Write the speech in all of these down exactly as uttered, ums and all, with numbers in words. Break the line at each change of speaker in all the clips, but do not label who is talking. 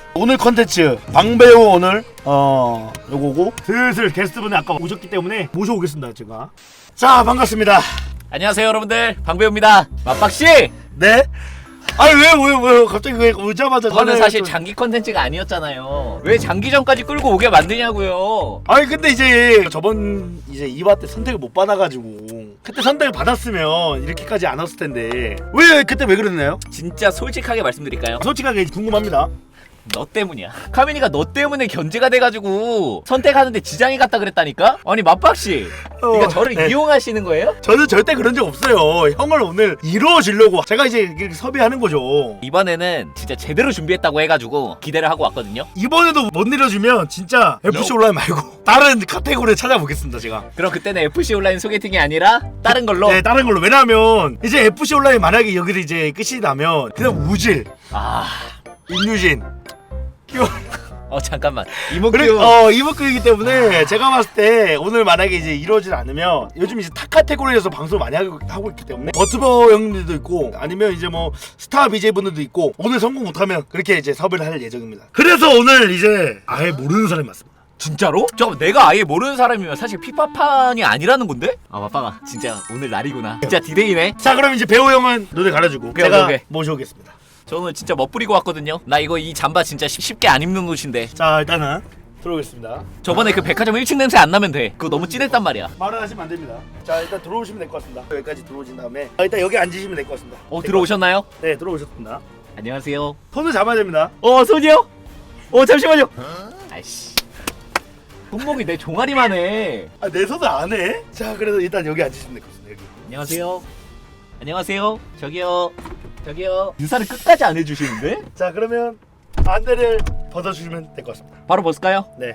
오늘 컨텐츠 방배우 오늘 어 요거고 슬슬 게스트분이 아까 오셨기 때문에 모셔오겠습니다 제가. 자 반갑습니다.
안녕하세요 여러분들, 방배우입니다. 맞박씨!
네? 아니 왜왜왜 갑자기 왜 오자마자
저는 사실
또...
장기 컨텐츠가 아니었잖아요. 왜 장기전까지 끌고 오게 만드냐고요.
아니 근데 이제 저번 이제 이화 때 선택을 못 받아가지고 그때 선택을 받았으면 이렇게까지 안 왔을 텐데 왜 그때 왜 그랬나요?
진짜 솔직하게 말씀드릴까요?
솔직하게 궁금합니다.
너 때문이야. 카민이가 너 때문에 견제가 돼가지고 선택하는데 지장이 갔다 그랬다니까? 아니 맞박씨,
어,
그러니까 저를
네.
이용하시는 거예요?
저는 절대 그런 적 없어요. 형을 오늘 이루어지려고 제가 이제 이렇게 섭외하는 거죠.
이번에는 진짜 제대로 준비했다고 해가지고 기대를 하고 왔거든요.
이번에도 못 내려주면 진짜 에프씨 온라인 말고 다른 카테고리를 찾아보겠습니다 제가.
그럼 그때는 에프씨 온라인 소개팅이 아니라 다른 걸로?
네 다른 걸로. 왜냐하면 이제 에프씨 온라인 만약에 여기서 이제 끝이 나면 그냥 우질,
아...
임유진
어 잠깐만
그래,
이목규
어 이목구이기 때문에 제가 봤을 때 오늘 만약에 이제 이루어지지 않으면 요즘 이제 타 카테고리에서 방송을 많이 하고, 하고 있기 때문에 버트버 형님들도 있고 아니면 이제 뭐 스타 비제이 분들도 있고 오늘 성공 못하면 그렇게 이제 섭외를 할 예정입니다. 그래서 오늘 이제 아예 모르는 사람이 왔습니다.
진짜로? 잠깐 내가 아예 모르는 사람이면 사실 피파판이 아니라는 건데? 아 맞방아 진짜 오늘 날이구나. 진짜 디데이네.
자 그럼 이제 배우 형은 노래 갈아주고
오케이,
제가
오케이.
모셔오겠습니다.
저 오늘 진짜 멋부리고 왔거든요. 나 이거 이 잠바 진짜 쉽- 쉽게 안 입는 옷인데.
자 일단은 들어오겠습니다.
저번에 그 백화점 일 층 냄새 안 나면 돼. 그거 너무 진했단 말이야.
말을 하시면 안 됩니다. 자 일단 들어오시면 될 것 같습니다. 여기까지 들어오신 다음에 아, 일단 여기 앉으시면 될 것 같습니다.
어 들어오셨나요?
네 들어오셨습니다.
안녕하세요.
손을 잡아야 됩니다.
어 손이요? 어 잠시만요. 아이씨. 손목이 내 종아리만 해.
아 내 손을 안 해? 자 그래서 일단 여기 앉으시면 될 것 같습니다. 여기.
안녕하세요. 안녕하세요. 저기요. 저기요. 인사를 끝까지 안 해주시는데?
자 그러면 안대를 벗어주시면 될 것 같습니다.
바로 벗을까요?
네.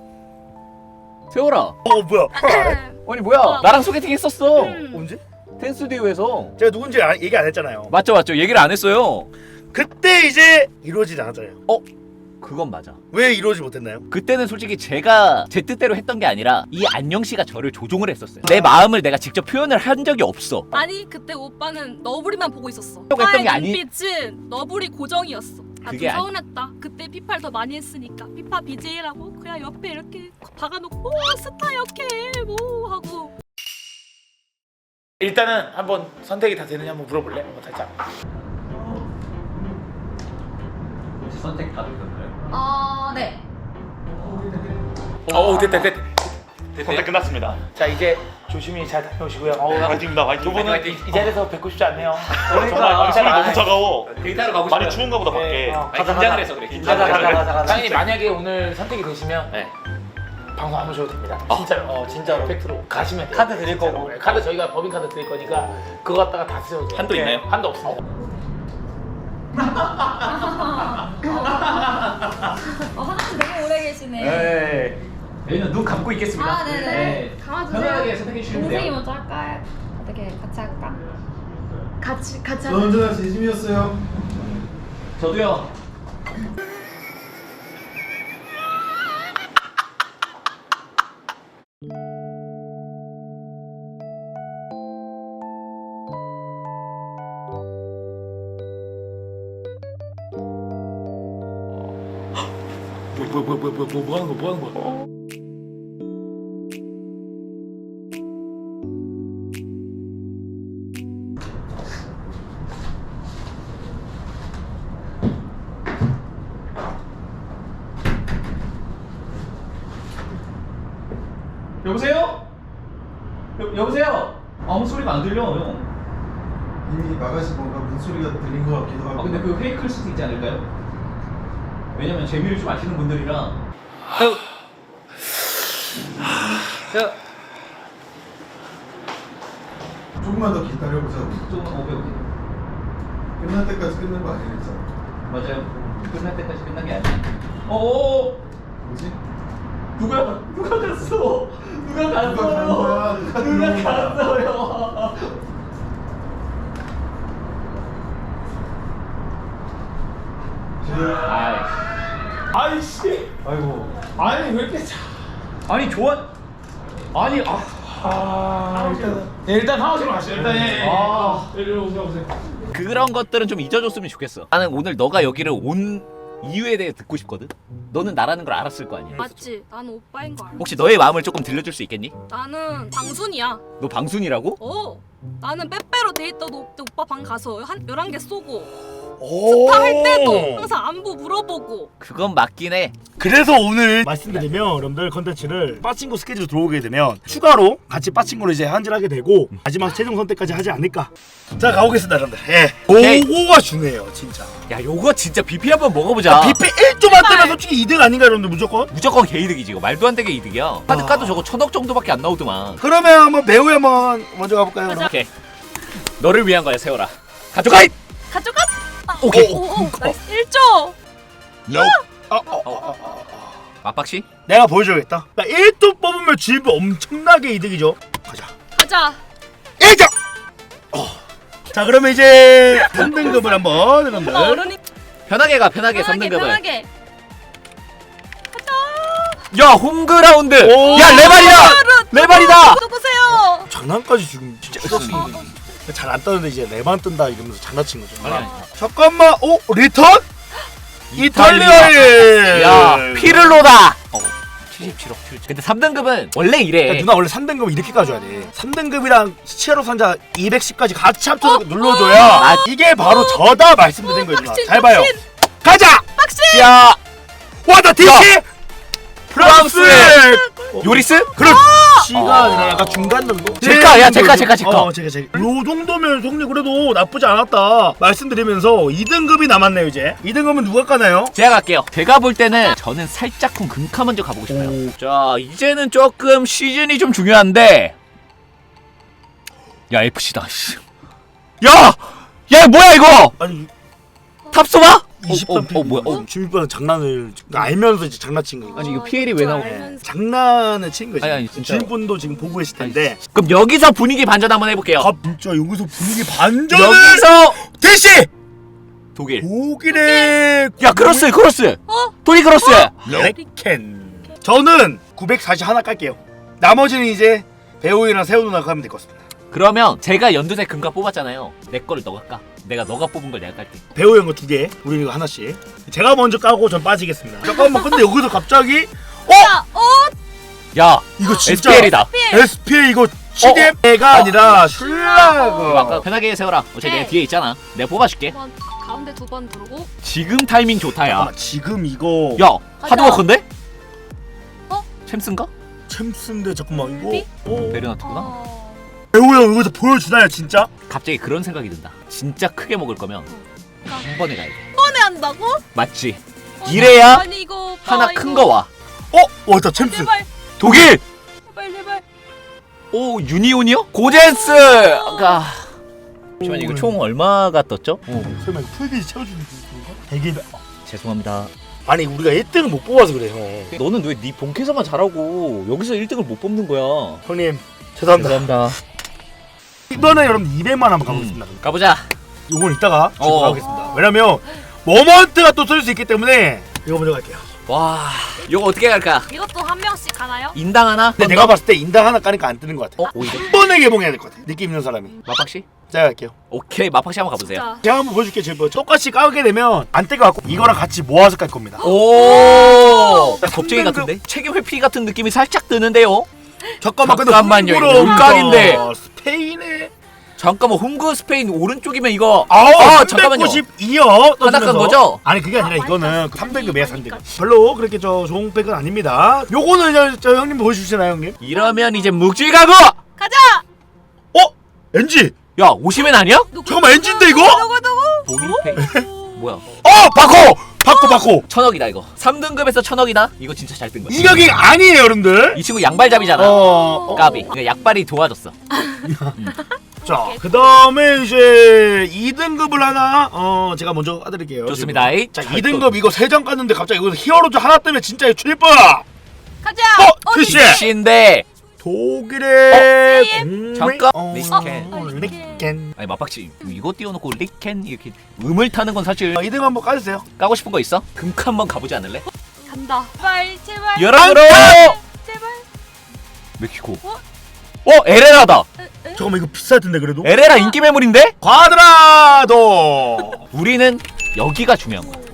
세월아.
어 뭐야?
아니 뭐야?
어.
나랑 소개팅 했었어.
음.
언제?
텐스튜디오에서.
제가 누군지 아, 얘기 안 했잖아요.
맞죠 맞죠. 얘기를 안 했어요.
그때 이제 이루어지지 않았잖아요.
어? 그건 맞아.
왜 이루어지지 못했나요?
그때는 솔직히 제가 제 뜻대로 했던 게 아니라 이 안녕 씨가 저를 조종을 했었어요. 내 마음을 내가 직접 표현을 한 적이 없어.
아니 그때 오빠는 너구리만 보고 있었어.
했던 게
오빠의
아니-
눈빛은 너구리 고정이었어. 아,
그게
좀
아니-
서운했다. 그때 피파를 더 많이 했으니까 피파 비제이라고 그냥 옆에 이렇게 박아놓고 오, 스타 역해 뭐 하고.
일단은 한번 선택이 다 되느냐 한번 물어볼래? 한번 살짝.
혹시 선택 다 되셨나요?
아 네.
어, 됐다, 됐다.
선택 끝났습니다.
자 이제 조심히 잘 다녀오시고요.
화이팅입니다. 화이팅.
두 분은 이, 이 자리에서 뵙고 싶지 않네요.
정말 손이 너무 차가워.
데이터로 가고
많이 추운가 보다 밖에.
어,
아니, 긴장을 해서 그래.
가자,
긴장을
가자,
해서.
가자, 가자. 당연히 만약에 오늘 선택이 되시면
네.
방송 안 오셔도 됩니다. 진짜로. 어, 진짜로. 팩트로 가시면 돼요.
카드 드릴
진짜로.
거고.
네, 카드 저희가 법인 카드 드릴 거니까 그거 갖다가 다 쓰셔도 돼요.
한도
네,
있나요?
한도 없습니다.
어, 화장실 너무 오래 계시네.
네. 저희는 눈 감고 있겠습니다.
아, 네네. 감아주세요.
편안하게 선택해 주시면
동생이
돼요.
먼저 할까요? 어떻게 같이 할까? 같이 같이
저
하자.
언제나 진심이었어요.
저도요.
뭐, 뭐, 뭐, 뭐, 뭐, 뭐, 뭐 하는 거, 뭐 하는 거야?
여보세요? 여, 여보세요? 아무 소리가 안 들려 형.
이미 나가신 뭔가 문소리가 들린 것 같기도 하고.
아 근데 그 페이크일 수도 있지 않을까요? 왜냐면 재미를 좀 아시는 분들이라. 형. 형.
조금만 더 기다려보자고.
조금 오케이 오케이.
끝날 때까지 끝낸 거 아니겠잖아.
맞아요. 끝날 때까지 끝난 게 아니야. 어어.
뭐지?
누가 누가 갔어? 누가 갔어요?
누가 간 거야? 누가
누가
들어온 거야?
갔어요? 아이.
아이씨.
아이고.
아니 왜 이렇게 차?
아니 좋아. 아니 아.
아, 일단 네, 일단 하우스로 가시죠. 일단 예. 예.
아.
이리 오세요, 오세요.
그런 것들은 좀 잊어줬으면 좋겠어. 나는 오늘 너가 여기를 온 이유에 대해 듣고 싶거든. 너는 나라는 걸 알았을 거 아니야.
맞지? 나는 오빠인 거 알아.
혹시 너의 마음을 조금 들려줄 수 있겠니?
나는 방순이야.
너 방순이라고?
어. 나는 빼빼로 데이터도 오빠 방 가서 한 열한 개 쏘고
오.
스타 할 때도 항상 안부 물어보고.
그건 맞긴 해.
그래서 오늘 말씀드리면 여러분들 컨텐츠를 빠친코 스케줄 들어오게 되면 추가로 같이 빠친코를 이제 한질하게 되고 마지막 최종 선택까지 하지 않을까. 자 가보겠습니다 여러분들. 예.
오케이.
요거가 중요해요 진짜.
야 요거 진짜 비피 한번 먹어보자.
비피 일 조만 뜨면 솔직히 이득 아닌가 여러분들 무조건?
무조건 개이득이지 이거. 말도 안 되게 이득이야. 카드 까도 저거 천억 정도밖에 안 나오더만.
그러면 한번 배우에 한번 먼저 가볼까요?
가자.
오케이. 너를 위한 거야 세월아. 가져가! 잇!
가져가. 아,
오케이.
오, 오, 나이스. 일 조.
어, 어, 어, 어, 어.
맞박씨?
내가 보여줘야겠다. 나 일 도 뽑으면 주입부 엄청나게 이득이죠. 가자.
가자.
일 점! 어. 자 그러면 이제 삼 등급을 한번 여러분들.
오빠 어른이
편하게 가 편하게 삼
편하게
등급을.
편하게.
야 홈그라운드!
오.
야 레발이다! 레발이다!
누구세요?
장난까지 지금 진짜
아,
잘안 떠는데 이제 내만 뜬다 이러면서 장난친 거죠.
아니, 아니.
잠깐만, 오 리턴? 이탈리아에.
야 피를로다! 어, 칠십칠억 칠천. 근데 삼 등급은 원래 이래.
그러니까 누나 원래 삼 등급은 이렇게 가져야 돼. 삼 등급이랑 시체로 산자 이백십까지 같이 합쳐서
어?
눌러줘야
아,
이게 바로 저다 말씀드린 거예요. 누나.
빡신,
잘 봐요.
빡신.
가자.
빡신.
야
와다 디시 프랑스.
요리스?
그렇지가 아니라 약간 중간 정도.
제가, 야, 제가, 제가, 제가.
어, 제가 제가. 요 정도면 형님 그래도 나쁘지 않았다 말씀드리면서 이 등급이 남았네요 이제. 이 등급은 누가 까나요?
제가 갈게요. 제가 볼 때는 저는 살짝쿵 금카 먼저 가보고 싶어요.
오.
자 이제는 조금 시즌이 좀 중요한데. 야 에프씨다. 씨. 야! 야 뭐야 이거!
아니
탑소바?
이십삼
어, 어, 어 뭐야? 어.
주민빠는 장난을 알면서 이제 장난친 거예요.
아니 이거 피엘이 왜 나오냐?
알면서.
장난을 친 거지.
아니, 아니, 진짜로.
주인분도 지금 보고 계실 텐데.
그럼 여기서 분위기 반전 한번 해볼게요.
아 진짜 여기서 분위기 반전을.
여기서
대시
독일.
독일의
야 크로스 크로스.
어?
독일 크로스.
레켄. 저는 구백사십 하나 깔게요. 나머지는 이제 배우이랑 세호 누나가 하면 될 것 같습니다.
그러면 제가 연두색 금카 뽑았잖아요. 내 거를 너가 까. 내가 너가 뽑은 걸 내가 깔게.
배우 형 거 두 개, 우리 이거 하나씩. 제가 먼저 까고 전 빠지겠습니다. 잠깐만, 근데 여기서 갑자기 어?
자, 어?
야
이거 진짜
에스피엘이다.
에스피엘 이거 시대가 아니라 슐라그.
아까 편하게 세워라. 어차피
네.
내가 뒤에 있잖아. 내가 뽑아줄게.
두 번, 가운데 두 번 누르고.
지금 타이밍 좋다야.
잠깐만, 지금 이거
야 하드워커인데?
어?
챔스인가?
챔스인데 잠깐만 이거
비?
어?
베르나트구나.
어.
배우 형 여기서 보여주나요 진짜?
갑자기 그런 생각이 든다. 진짜 크게 먹을 거면 한 번에 가야 돼.
한 번에 한다고?
맞지?
어,
이래야
아니 이거 오빠,
하나
이거.
큰 거 와.
어? 왔다 챔스.
제발,
독일.
제발, 제발.
오 유니온이요? 고젠스가. 잠시만 이거 총 얼마가 떴죠?
어, 설마 이거 풀비지 채워주는 건가? 되게
죄송합니다.
아니 우리가 일 등을 못 뽑아서 그래 형.
너는 왜 네 본캐서만 잘하고 여기서 일 등을 못 뽑는 거야?
형님 죄송합니다.
죄송합니다.
이번에 여러분 이백만 한번 가보겠습니다.
가보자.
이건 이따가 지금
어.
가보겠습니다. 왜냐면 모먼트가 또 쏠 수 있기 때문에 이거 먼저 갈게요.
와, 이거 어떻게 갈까?
이것도 한 명씩 가나요?
인당 하나?
근데 내가 봤을 때 인당 하나 까니까 안 뜨는 것 같아.
어, 오히려.
한 번에 개봉해야 될 것 같아. 느낌 있는 사람이.
마팍씨?
제가 갈게요.
오케이, 마팍씨 한번 가보세요.
자,
제가 한번 보여줄게요. 제가 똑같이 까게 되면 안 뜰 것 같고 이거랑 같이 모아서 깔 겁니다.
오,
야,
겁쟁이
삼등급.
같은데? 책임 회피 같은 느낌이 살짝 드는데요?
잠깐만 근데
잠깐만요, 이거
홈그로
음각인데.
아, 스페인에
잠깐만, 홈그 스페인 오른쪽이면 이거.
아우
아, 잠깐만요.
삼백구십이요.
하나 깐 거죠?
아니 그게 아니라
아,
이거는
마이너스
삼 등급이야 삼
삼
등급. 별로 그렇게 저 좋은 백은 아닙니다. 요거는 저, 저 형님 보여주시나요 형님?
이러면 이제 묵질 가고!
가자.
어? 엔지!
야, 오시면 아니야?
누구,
잠깐만, 엔진데, 이거?
누구 누구?
보니페이. 뭐야?
어! 바코! 바코 바코!
천억이다, 이거. 삼 등급에서 천억이다? 이거 진짜 잘 뜬 거야.
이격이 아니에요 여러분들.
이 친구 양발잡이잖아.
어...
까비. 그러니까 약발이 도와줬어.
자, 그 다음에 이제 이 등급을 하나 어 제가 먼저 까드릴게요.
좋습니다.
지금. 자,
잘
이 등급 이거 세 장 깠는데 갑자기 이거 히어로즈 하나 뜨면 진짜 출발!
가자.
어! 트시!
씨인데.
독일의
어?
공매-
잠깐.
어,
리켄.
어, 리켄.
아니 마박씨 이거 띄워놓고 리켄 이렇게 음을 타는 건 사실
어, 이 등급 한번 까주세요.
까고 싶은 거 있어? 금카 한번 가보지 않을래?
간다. 제발 제발.
열어들어!
제발.
멕시코.
어?
어 에레라다.
잠깐만 이거 비쌀 텐데 그래도.
에레라 인기 매물인데?
과드라도.
우리는 여기가 중요한 거야.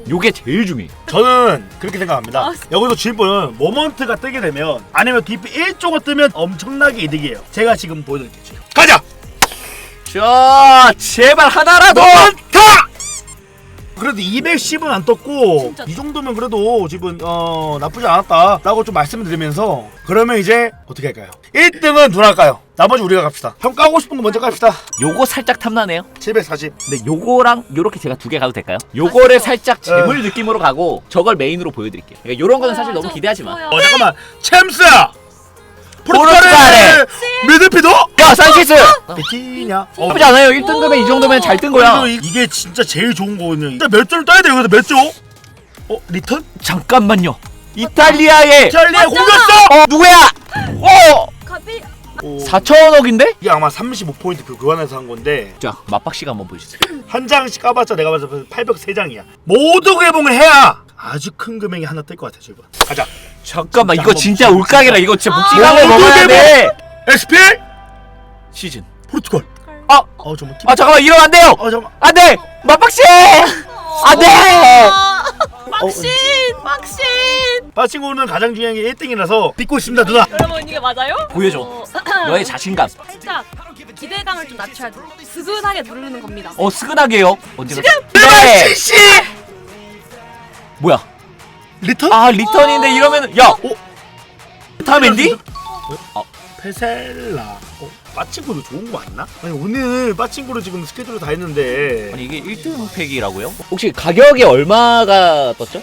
요게 제일 중요해.
저는 그렇게 생각합니다.
아,
여기서 주인분은 모먼트가 뜨게 되면 아니면 디피 일 조가 뜨면 엄청나게 이득이에요. 제가 지금 보여드릴게요. 지금. 가자!
자, 제발 하나라도.
타! 그래도 이백십은 안 떴고
진짜.
이 정도면 그래도 지금 어 나쁘지 않았다 라고 좀 말씀을 드리면서 그러면 이제 어떻게 할까요? 일 등은 누나 할까요? 나머지 우리가 갑시다. 형 까고 싶은 거 먼저 갑시다.
요거 살짝 탐나네요.
칠백사십.
근데 요거랑 요렇게 제가 두 개 가도 될까요? 요거를
맛있어.
살짝 재물 느낌으로 가고 저걸 메인으로 보여드릴게요. 그러니까 요런 거는 사실
좋아요,
너무
저-
기대하지 마.
좋아요.
어 잠깐만 챔스야!
포르투갈에!
포르투갈의 미드피도?
야, 산체스!
비키냐? 어,
나쁘지 않아요. 일 등급에 이 정도면 잘 뜬 거야.
그래도 이- 이게 진짜 제일 좋은 거거든요. 진짜 몇 조를 떠야 돼요. 여기서 몇 조? 어? 리턴?
잠깐만요. 이탈리아의
이탈리아 공격수!
어, 누구야? 어!
가비
오,
사천억인데?
이게 아마 삼십오 포인트 그 교환해서 한 건데
자, 맛박씨가 한번 보여주세요.
한 장씩 까봤자 내가 봐서 팔백삼 장이야. 모두 개봉을 해야 아주 큰 금액이 하나 뜰 것 같아 지금. 가자.
잠깐만,
진짜
이거
한번
진짜
진짜
울각이라. 이거 진짜
아.
묵직하게
모두
먹어야 돼.
에스피엘
시즌.
포르투갈.
아,
어 잠깐.
아 잠깐만, 이러면 안 돼요.
어 잠깐.
안 돼. 맛박씨! 안 돼.
아, 막신 막신.
빠친구는 가장 중요한 게 일 등이라서 믿고 있습니다 누나.
여러분 이게 맞아요?
보여줘.
어,
너의 자신감.
살짝 기대감을 좀 낮춰야 돼. 스근하게 누르는 겁니다.
어, 스근하게요. 언제가?
네.
네.
씨.
뭐야?
리턴?
아, 리턴인데 이러면 야.
어?
다음 엔디?
페셀라. 어? 빠친구도 좋은 거 맞나? 아니 오늘 빠친구로 지금 스케줄을 다 했는데.
아니 이게 일 등 팩이라고요? 혹시 가격이 얼마가 떴죠?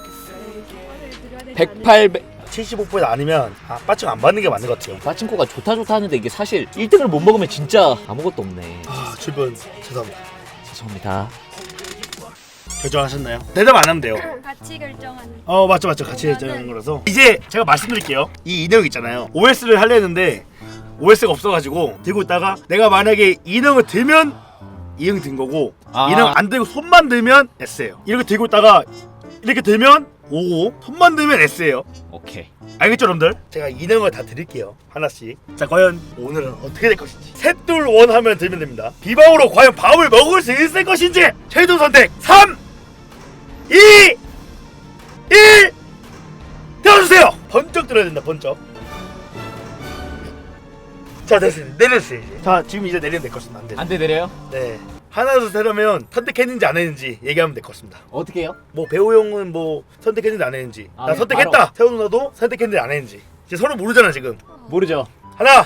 백팔
칠십오 포인트 아니면 아 빠친구 안 받는 게 맞는 것 같아요.
마친코가 좋다 좋다 하는데 이게 사실 일 등을 못 먹으면 진짜 아무것도 없네.
아 주변 죄송합니다.
죄송합니다.
결정하셨나요? 대답 안 하면 돼요.
같이 결정하는.
어 맞죠 맞죠 같이 결정한 거라서 이제 제가 말씀드릴게요. 이 인형 있잖아요. 오에스를 하려 했는데 오에스가 없어가지고 들고 있다가 내가 만약에 인형을 들면 이형 든 거고
아.
인형 안 들고 손만 들면 S예요. 이렇게 들고 있다가 이렇게 들면 오고 손만 들면 S예요.
오케이.
알겠죠 여러분들? 제가 인형을 다 드릴게요 하나씩. 자 과연 오늘은 어떻게 될 것인지 셋둘원 하면 들면 됩니다. 비방으로 과연 밥을 먹을 수 있을 것인지 최종 선택 삼 이 일 들어주세요. 번쩍 들어야 된다 번쩍. 자 됐어요 내렸어요 이제. 자 지금 이제 내리면 될 것입니다. 안 돼요.
안돼 내려요?
네 하나 둘 하면 선택했는지 안 했는지 얘기하면 될 것입니다.
어떻게 해요?
뭐 배우 형은 뭐 선택했는지 안 했는지
아,
나
네,
선택했다
바로.
세훈 누나도 선택했는지 안 했는지 이제 서로 모르잖아 지금.
모르죠.
하나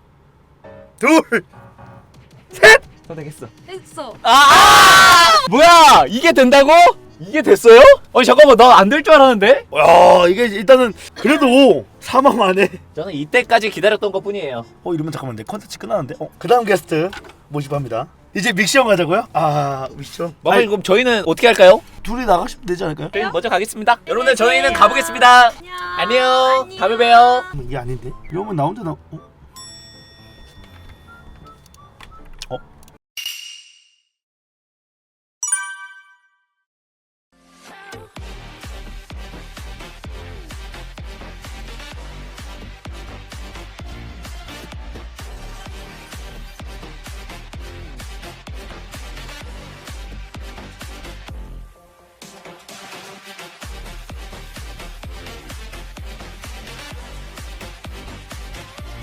둘셋
선택했어.
했어.
아! 뭐야? 이게 된다고? 이게 됐어요? 아니 잠깐만 나 안 될 줄 알았는데?
야 이게 일단은 그래도 사망 안에
저는 이때까지 기다렸던 것뿐이에요.
어 이러면 잠깐만 내 컨텐츠 끝나는데 어 그다음 게스트 모집합니다. 이제 믹시형 가자고요? 아 믹시형
마마
아니,
그럼 저희는 어떻게 할까요?
둘이 나가시면 되지 않을까요?
저희 먼저 가겠습니다. 여러분들 저희는 가보겠습니다.
안녕.
안녕. 다음에 봬요.
이게 아닌데? 이러면 나 혼자 나 어?